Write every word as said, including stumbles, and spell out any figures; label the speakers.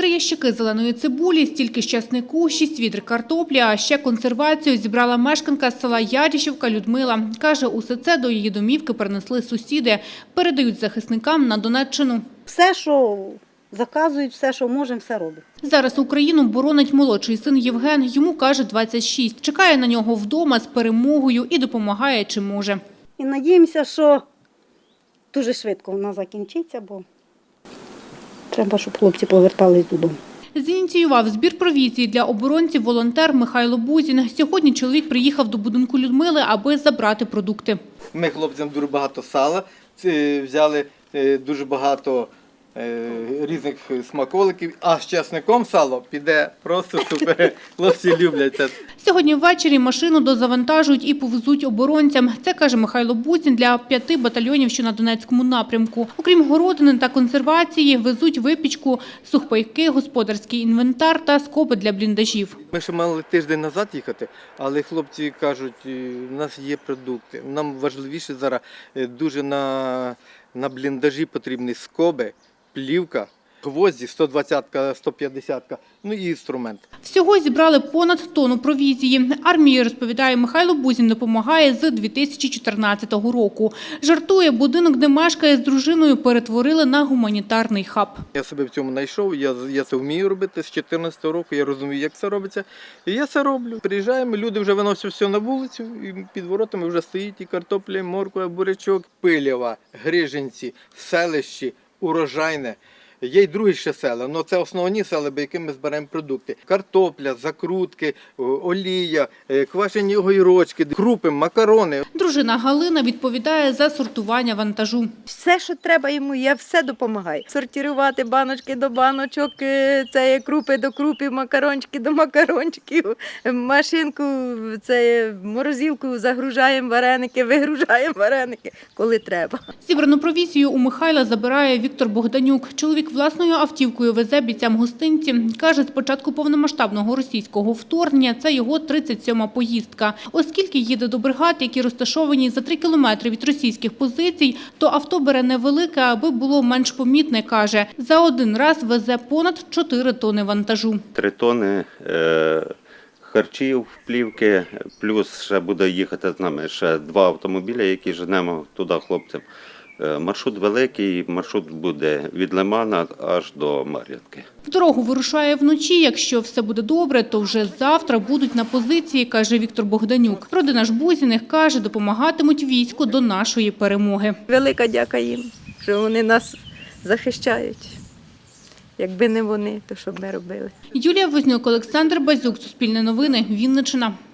Speaker 1: Три ящики зеленої цибулі, стільки з часнику, шість відр картоплі, а ще консервацію зібрала мешканка з села Ярішівка Людмила. Каже, усе це до її домівки принесли сусіди. Передають захисникам на Донеччину.
Speaker 2: Все, що заказують, все, що можемо, все робимо.
Speaker 1: Зараз Україну боронить молодший син Євген. Йому, каже, двадцять шість. Чекає на нього вдома з перемогою і допомагає, чим може.
Speaker 2: І надіємося, що дуже швидко вона закінчиться, бо треба, щоб хлопці повертались додому.
Speaker 1: Зініціював збір провізії для оборонців волонтер Михайло Бузін. Сьогодні чоловік приїхав до будинку Людмили, аби забрати продукти.
Speaker 3: Ми хлопцям дуже багато сала взяли, дуже багато різних смаколиків, а з часником сало піде просто супер. Хлопці люблять це.
Speaker 1: Сьогодні ввечері машину дозавантажують і повезуть оборонцям. Це, каже Михайло Бузін, для п'яти батальйонів, що на Донецькому напрямку. Окрім городини та консервації, везуть випічку, сухпайки, господарський інвентар та скоби для бліндажів.
Speaker 3: Ми ще мали тиждень назад їхати, але хлопці кажуть, у нас є продукти. Нам важливіше зараз дуже на, на бліндажі потрібні скоби, плівка, гвозді, сто двадцятка, сто п'ятдесятка, ну і інструмент.
Speaker 1: Всього зібрали понад тонну провізії. Армії, розповідає Михайло Бузін, допомагає з дві тисячі чотирнадцятого року. Жартує, будинок, де мешкає з дружиною, перетворили на гуманітарний хаб.
Speaker 3: Я себе в цьому знайшов, я, я це вмію робити з дві тисячі чотирнадцятого року, я розумію, як це робиться. І я це роблю. Приїжджаємо, люди вже виносять все на вулицю, і під воротами вже стоїть і картопля, і морква, бурячок, Пилєва, Грижинці, селищі, Урожайне. Є й другі ще села, але це основні села, по яким ми збираємо продукти. Картопля, закрутки, олія, квашені огірочки, крупи, макарони.
Speaker 1: Дружина Галина відповідає за сортування вантажу.
Speaker 4: Все, що треба йому, я все допомагаю. Сортувати баночки до баночок, це крупи до крупів, макарончики до макарончиків, машинку, це морозилку загружаємо вареники, вигружаємо вареники, коли треба.
Speaker 1: Зібрану провізію у Михайла забирає Віктор Богданюк. Чоловік власною автівкою везе бійцям гостинці. Каже, з початку повномасштабного російського вторгнення це його тридцять сьома поїздка. Оскільки їде до бригад, які розташовані за три кілометри від російських позицій, то авто бере невелике, аби було менш помітне, каже. За один раз везе понад чотири тони вантажу.
Speaker 5: Три тони е, харчів, плівки, плюс ще буде їхати з нами ще два автомобіля, які женемо туди хлопцям. Маршрут великий, маршрут буде від Лимана аж до Мар'їнки.
Speaker 1: В дорогу вирушає вночі. Якщо все буде добре, то вже завтра будуть на позиції, каже Віктор Богданюк. Родина ж Бузіних, каже, допомагатимуть війську до нашої перемоги.
Speaker 4: Велика дяка їм, що вони нас захищають. Якби не вони, то що б ми робили?
Speaker 1: Юлія Вознюк, Олександр Базюк, Суспільне новини, Вінниччина.